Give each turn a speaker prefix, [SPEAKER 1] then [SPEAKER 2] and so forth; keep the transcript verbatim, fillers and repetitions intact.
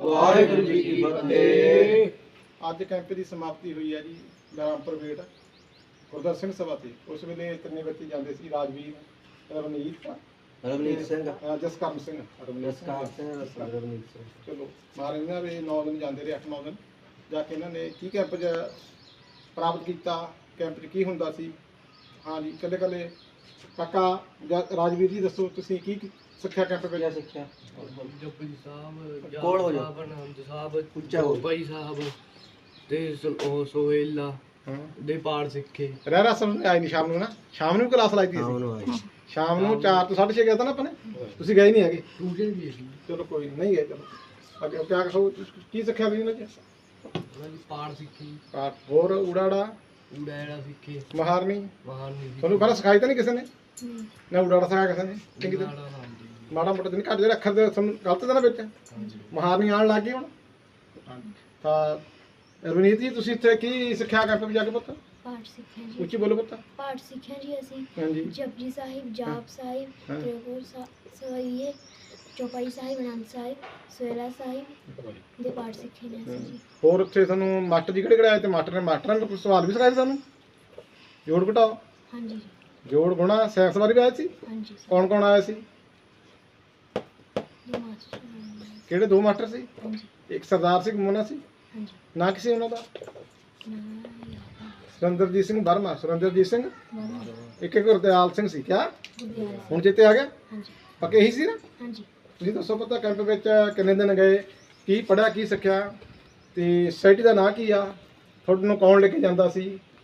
[SPEAKER 1] ਵਾਹਿਗੁਰੂ ਜੀ ਕੀ ਫਤਿਹ।
[SPEAKER 2] ਅੱਜ ਕੈਂਪ ਦੀ ਸਮਾਪਤੀ ਹੋਈ ਹੈ ਜੀ ਰਾਮਪੁਰ ਵੇਟ ਗੁਰਦਰ ਸਿੰਘ ਸਭਾ ਤੇ। ਉਸ ਵੇਲੇ ਤਿੰਨੇ ਬੱਚੇ ਜਾਂਦੇ ਸੀ, ਰਾਜਵੀਰ, ਰਵਨੀਤ,
[SPEAKER 1] ਰਵਨੀਤ ਸਿੰਘ,
[SPEAKER 2] ਅਹ ਜਸਕਰਨ ਸਿੰਘ, ਰਵਨੀਤ
[SPEAKER 1] ਜਸਕਾਰ ਸਿੰਘ, ਰਵਨੀਤ ਸਿੰਘ।
[SPEAKER 2] ਚਲੋ ਮਾਰੇ ਇਹਨਾਂ ਦੇ ਨੌ ਦਿਨ ਜਾਂਦੇ ਰਹੇ, ਅੱਠ ਨੌ ਦਿਨ ਜਾ ਕੇ ਇਹਨਾਂ ਨੇ ਕੀ ਕੈਂਪ 'ਚ ਪ੍ਰਾਪਤ ਕੀਤਾ, ਕੈਂਪ 'ਚ ਕੀ ਹੁੰਦਾ ਸੀ। ਹਾਂ ਜੀ, ਇਕੱਲੇ ਇਕੱਲੇ ਕਾਕਾ ਜਾਂ ਰਾਜਵੀਰ ਜੀ ਦੱਸੋ ਤੁਸੀਂ ਕੀ ਕੀ ਸਿੱਖਿਆ ਕੈਂਪ ਵਿੱਚ?
[SPEAKER 1] ਸਿੱਖਿਆ
[SPEAKER 3] ਜਪਜੀ ਸਾਹਿਬ,
[SPEAKER 1] ਕੋਲ ਹੋ ਜਾ।
[SPEAKER 3] ਜਾਪ ਸਾਹਿਬ, ਆਨੰਦ ਸਾਹਿਬ,
[SPEAKER 1] ਉੱਚਾ ਹੋ।
[SPEAKER 3] ਭਾਈ ਸਾਹਿਬ ਤੇ ਸ- ਉਹ ਸੋਹੇਲਾ
[SPEAKER 2] ਹਾਂ,
[SPEAKER 3] ਦੇ ਪਾਠ ਸਿੱਖੇ।
[SPEAKER 2] ਰਹਿ ਰਸਮ ਆਈ ਨਹੀਂ ਸ਼ਾਮ ਨੂੰ ਨਾ, ਸ਼ਾਮ ਨੂੰ ਕਲਾਸ ਲਾਈ ਸੀ
[SPEAKER 1] ਹਾਂ
[SPEAKER 2] ਅਸੀਂ।
[SPEAKER 1] ਉਹਨੂੰ ਆਈ
[SPEAKER 2] ਸ਼ਾਮ ਨੂੰ ਚਾਰ ਤੋਂ ਸਾਢੇ ਛੇ ਗਿਆ ਤਾਂ ਨਾ ਆਪਾਂ ਨੇ, ਤੁਸੀਂ ਗਏ ਨਹੀਂ ਹੈਗੇ।
[SPEAKER 3] ਟਿਊਸ਼ਨ ਵੀ ਸੀ
[SPEAKER 2] ਚਲੋ ਕੋਈ ਨੀ, ਨਹੀਂ ਗਏ। ਚਲੋ ਅੱਗੇ ਕਿਆ ਕਹੋ, ਕੀ ਸਿੱਖਿਆ ਤੁਸੀਂ ਇਹਨਾਂ 'ਚ?
[SPEAKER 3] ਉਹਨਾਂ ਦੀ ਪਾਠ ਸਿੱਖੀ,
[SPEAKER 2] ਪਾਠ, ਹੋਰ ਊੜਾੜਾ,
[SPEAKER 3] ਊੜਾ ਸਿੱਖੇ,
[SPEAKER 2] ਮਹਾਰਨੀ।
[SPEAKER 3] ਮਹਾਨੀ ਸੀ।
[SPEAKER 2] ਤੁਹਾਨੂੰ ਪਹਿਲਾਂ ਸਿਖਾਈ ਤਾਂ ਨਹੀਂ ਕਿਸੇ ਨੇ? ਨਾ ਊੜਾੜਾ ਸਿਖਾਇਆ ਕਿਸੇ ਨੇ? ਚੰਗੀ ਤਰ੍ਹਾਂ
[SPEAKER 3] ਨਾੜਾ, ਹਾਂਜੀ
[SPEAKER 2] ਮਾੜਾ ਮੋਟਾ ਤਾਂ ਨਹੀਂ, ਘੱਟ ਜਿਹੜੇ ਅੱਖਰ ਦੇ ਤੁਹਾਨੂੰ ਗਲਤ ਤਾਂ ਨਾ ਵਿੱਚ?
[SPEAKER 3] ਹਾਂਜੀ।
[SPEAKER 2] ਮਹਾਰਨੀ ਆਉਣ ਲੱਗ ਗਈ ਹੁਣ। ਤਾਂ ਰਵਨੀਤ ਜੀ, ਤੁਸੀਂ ਇੱਥੇ ਕੀ ਸਿੱਖਿਆ ਕੈਂਪ ਵਿੱਚ ਜਾ ਕੇ ਪੁੱਤ?
[SPEAKER 4] ਪਾਠ ਸਿੱਖਿਆ ਜੀ।
[SPEAKER 2] ਉੱਚੀ ਬੋਲੋ ਪੁੱਤ।
[SPEAKER 4] ਪਾਠ ਸਿੱਖਿਆ ਜੀ ਅਸੀਂ।
[SPEAKER 2] ਹਾਂਜੀ
[SPEAKER 4] ਜਪਜੀ ਸਾਹਿਬ, ਜਾਪ ਸਾਹਿਬ,
[SPEAKER 2] ਹਾਂ।
[SPEAKER 4] ਤ੍ਰਿਪੁਰ ਸਵਈਏ, ਚੌਪਾਈ ਸਾਹਿਬ, ਆਨੰਦ ਸਾਹਿਬ, ਸੋਹਲਾ ਸਾਹਿਬ ਦੇ ਪਾਠ ਸਿੱਖੇ ਨੇ ਅਸੀਂ ਜੀ।
[SPEAKER 2] ਹੋਰ ਉੱਥੇ ਤੁਹਾਨੂੰ ਮਾਸਟਰ ਜੀ ਕਿਹੜੇ ਕਿਹੜੇ ਆਏ ਤੇ ਮਾਸਟਰ ਨੇ ਮਾਸਟਰਾਂ ਨੇ ਸਵਾਲ ਵੀ ਸਿਖਾਏ ਸੀ ਤੁਹਾਨੂੰ? ਜੋੜ ਘਟਾਓ,
[SPEAKER 4] ਹਾਂਜੀ ਜੀ,
[SPEAKER 2] ਜੋੜ ਗੁਣਾ, ਸਾਇੰਸ ਬਾਰੇ ਵੀ ਆਏ ਸੀ?
[SPEAKER 4] ਹਾਂਜੀ ਸਰ।
[SPEAKER 2] ਕੌਣ ਕੌਣ ਆਇਆ ਸੀ?
[SPEAKER 4] ਦੋ ਮਾਸਟਰ ਨੇ।
[SPEAKER 2] ਕਿਹੜੇ ਦੋ ਮਾਸਟਰ ਸੀ?
[SPEAKER 4] ਹਾਂਜੀ
[SPEAKER 2] ਇੱਕ ਸਰਦਾਰ ਸਿੰਘ ਮੋਨਾ ਸੀ,
[SPEAKER 4] ਹਾਂਜੀ।
[SPEAKER 2] ਨਾ ਕਿਸੇ ਉਹਨਾਂ ਦਾ?
[SPEAKER 4] ਨਾ ਯਾਦ
[SPEAKER 2] ਸੁਰਿੰਦਰਜੀਤ ਸਿੰਘ ਵਰਮਾ, ਸੁਰਿੰਦਰਜੀਤ ਸਿੰਘ,
[SPEAKER 4] ਬਾਬਾ
[SPEAKER 2] ਇੱਕ ਇੱਕ ਗੁਰਦਿਆਲ ਸਿੰਘ ਸੀ। ਕਿਆ
[SPEAKER 4] ਗੁਰਦਿਆਲ
[SPEAKER 2] ਹੁਣ ਚੇਤੇ ਆ ਗਿਆ?
[SPEAKER 4] ਹਾਂਜੀ
[SPEAKER 2] ਪੱਕੇ ਇਹੀ ਸੀ ਨਾ?
[SPEAKER 4] ਹਾਂਜੀ।
[SPEAKER 2] ਤੁਸੀਂ ਦੱਸੋ ਪਤਾ ਕੈਂਪ ਵਿੱਚ ਕਿੰਨੇ ਦਿਨ ਗਏ, ਕੀ ਪੜ੍ਹਿਆ, ਕੀ ਸਿੱਖਿਆ, ਤੇ ਸੋਸਾਇਟੀ ਦਾ ਨਾਂ ਕੀ ਆ, ਤੁਹਾਨੂੰ ਕੌਣ ਲੈ ਕੇ ਜਾਂਦਾ ਸੀ,